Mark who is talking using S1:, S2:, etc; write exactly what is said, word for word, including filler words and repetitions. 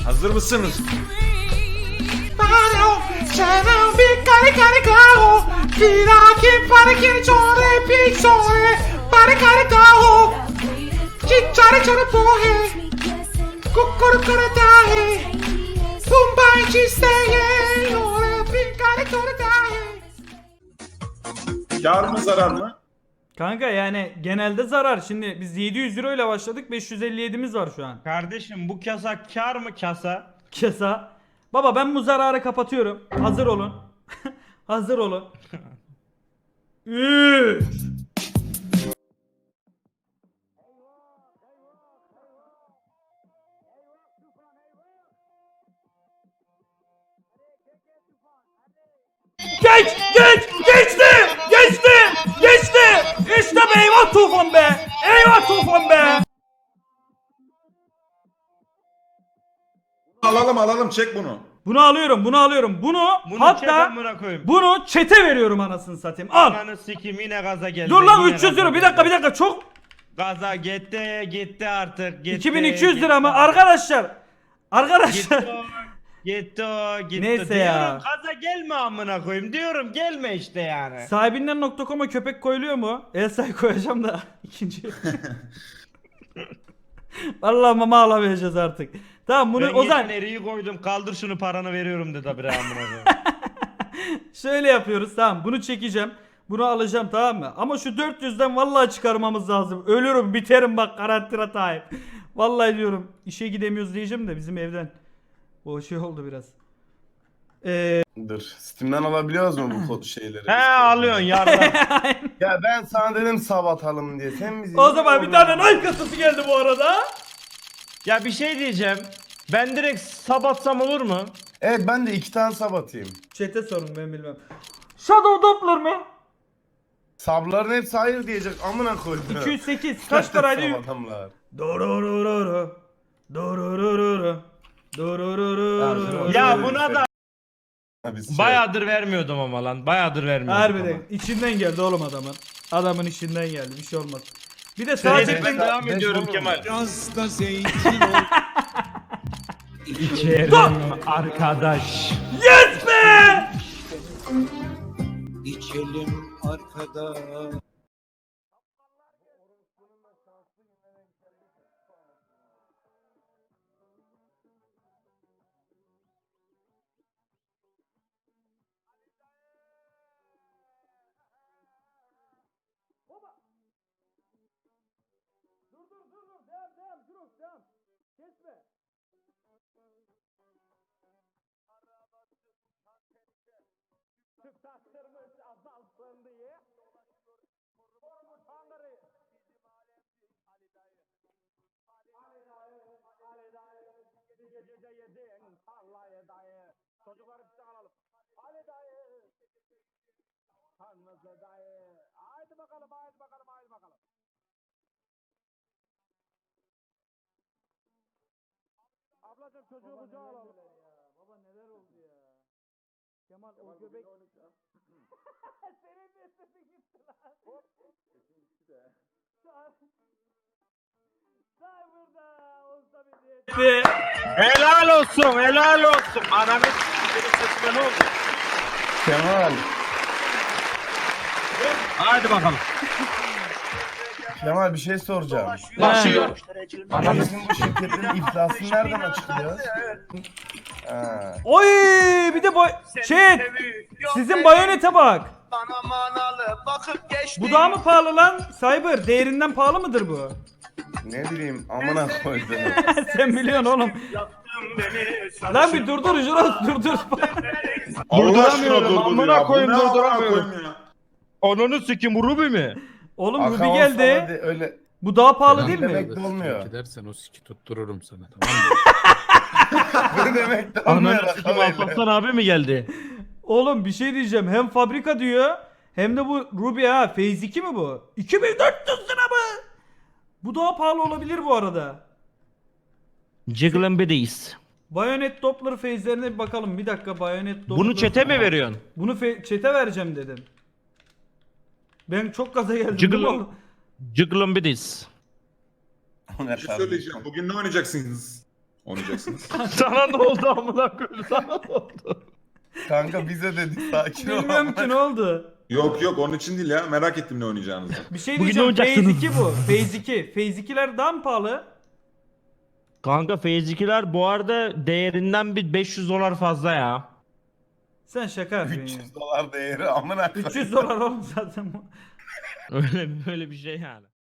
S1: Hazır mısınız? Kâr mı zarar mı?
S2: Kanka yani genelde zarar. Şimdi biz yedi yüz euro ile başladık. beş yüz elli yedimiz var şu an.
S3: Kardeşim bu kasa kar mı kasa?
S2: Kesa. Baba ben bu zararı kapatıyorum. Hazır olun. Hazır olun. Üç. Geç! Geç! Geçti! Geçti! Geçti! İşte be, eyvah Tufan be! Eyvah Tufan be!
S1: Alalım alalım, çek bunu.
S2: Bunu alıyorum, bunu alıyorum. Bunu,
S3: Bunu
S2: hatta
S3: çeten buna koyayım.
S2: bunu çete veriyorum anasını satayım. Al.
S3: Ananı sikeyim yine gaza geldi.
S2: Dur lan
S3: yine
S2: üç yüz
S3: gaza
S2: euro. Bir
S3: geldi.
S2: dakika bir dakika çok.
S3: Gaza gitti gitti artık gitti.
S2: iki bin iki yüz
S3: gitti.
S2: lira mı? Arkadaşlar. Arkadaşlar.
S3: Gitti o, gitti o, gitti.
S2: Neyse
S3: diyorum,
S2: ya.
S3: gaza gelme amına koyayım diyorum gelme işte yani.
S2: Sahibinden nokta com'a köpek koyuluyor mu? Elsa'yı koyacağım da ikinci. Vallahi mama alamayacağız artık. Tamam bunu
S3: Ben
S2: o zaman
S3: eriyi koydum kaldır şunu paranı veriyorum dedi bre amına koyayım.
S2: şöyle yapıyoruz, tamam bunu çekeceğim. Bunu alacağım, tamam mı? Ama şu dört yüzden vallahi çıkarmamız lazım. Ölürüm biterim bak, karantina time. Vallahi diyorum işe gidemiyoruz diyeceğim de bizim evden. O şey oldu biraz. Eee
S4: Dur. Steam'den alabiliyoruz mu bu şeyleri?
S3: He alıyorsun yardım.
S4: Ya ben sana dedim sabatalım diye. Sen bizi...
S2: o zaman bir tane Nike kasası geldi bu arada.
S3: Ya bir şey diyeceğim. Ben direkt sabatsam olur mu?
S4: Evet ben de iki tane sabatayım.
S2: Chat'e sorun, ben bilmem. Shadow Doppler mı?
S4: Sabların hepsi hayır diyecek. Amına koydum.
S2: iki yüz sekiz kaç paraydı?
S4: Sabatamlar.
S2: Dororororo. Dororororo. Dororororo.
S3: Ya buna da
S4: Ha, biz şey-
S3: bayağıdır vermiyordum ama lan. Bayağıdır vermiyordum.
S2: Harbiden içinden geldi oğlum adamın. Adamın içinden geldi, bir şey olmaz. Bir de
S3: Sadece
S2: sadece
S3: ben
S4: ben-
S3: devam
S4: ben
S3: ediyorum
S4: sorun
S3: Kemal.
S4: var.
S5: Biraz da zeytin ol.
S3: İçerim arkadaş.
S2: yes be!
S5: İçelim arkada.
S2: Dur dur dur dur, devam devam dur devam. Kesme. Çıtaklarımız azalsın diye. Komutanları. Ali dayı. Ali dayı. Ali dayı. Bir gecede yedin tarlayı dayı. Çocukları bir alalım. Ali dayı. Tanrısı dayı. Haydi bakalım haydi bakalım haydi bakalım. Ablacım çocuğu kucağa alalım. Ya. Baba neler oldu ya. Kemal, Kemal o göbek... Senin de sesin gitti lan. Hop. Sesin gitti de. Cyber'da olsa bizi.
S3: Helal olsun, helal olsun. Ananı s*****in sesime ne oldu?
S4: Kemal.
S3: Hadi bakalım.
S4: Kemal bir şey soracağım.
S2: Başlıyor.
S4: Bizim bu şirketlerin iflası nereden açıklıyor? Ha.
S2: Oy bir de boy... Chat. Sizin bayonete bak. Bu daha mı pahalı lan? Cyber değerinden pahalı mıdır bu?
S4: Ne bileyim amına koydum.
S2: Sen biliyorsun oğlum. Lan bir durdur Juros durdur.
S1: Allah aşkına
S3: Durduramıyorum,
S1: durdur
S3: amına
S1: ya. Bu
S3: koyayım,
S1: ne amına
S3: durduramıyorum.
S1: koyayım ya?
S3: Onunu sikim Ruby mi?
S2: Oğlum
S4: Aka
S2: Ruby
S4: olsa
S2: geldi.
S4: hadi öyle
S2: Bu daha pahalı değil
S4: demek
S2: mi?
S4: de olmuyor.
S6: Gidersen o siki tuttururum sana, tamam mı?
S4: Ne demek de olmuyor.
S3: Ananı sikim
S4: Aka öyle.
S3: Alparslan abi mi geldi?
S2: Oğlum bir şey diyeceğim. Hem fabrika diyor hem de bu Ruby ha. Phase iki mi bu? iki bin dört yüz lira mı? Bu daha pahalı olabilir bu arada.
S3: Jiggling Biddies.
S2: Bayonet Doppler phase'lerine bir bakalım. Bir dakika Bayonet Doppler.
S3: Bunu çete mi veriyorsun?
S2: Bunu fe- çete vereceğim dedim. Ben çok gaza geldim.
S3: Jiggle-
S2: değil mi oğlum?
S3: Jiggling Biddies.
S4: O ne
S1: Bir şey
S4: kardeşim?
S1: söyleyeceğim. Bugün ne oynayacaksınız? oynayacaksınız.
S3: Sana ne oldu amına koyayım? Sana ne oldu?
S4: Kanka bize dedik sakin ol.
S2: Bilmiyorum ki ne oldu.
S1: Yok yok onun için değil ya. Merak ettim ne oynayacağınızı.
S2: Bir şey
S3: Bugün
S2: diyeceğim.
S3: ne
S2: Phase
S3: oynayacaksınız?
S2: iki bu. Phase iki. Phase ikiler daha mı pahalı?
S3: Kanka Phase ikiler bu arada değerinden bir beş yüz dolar fazla ya.
S2: Sen şaka yapıyorsun
S4: üç
S2: ya.
S4: yüz dolar değeri amına koyayım.
S2: üç yüz dolar oğlum zaten bu.
S3: Öyle böyle bir şey yani.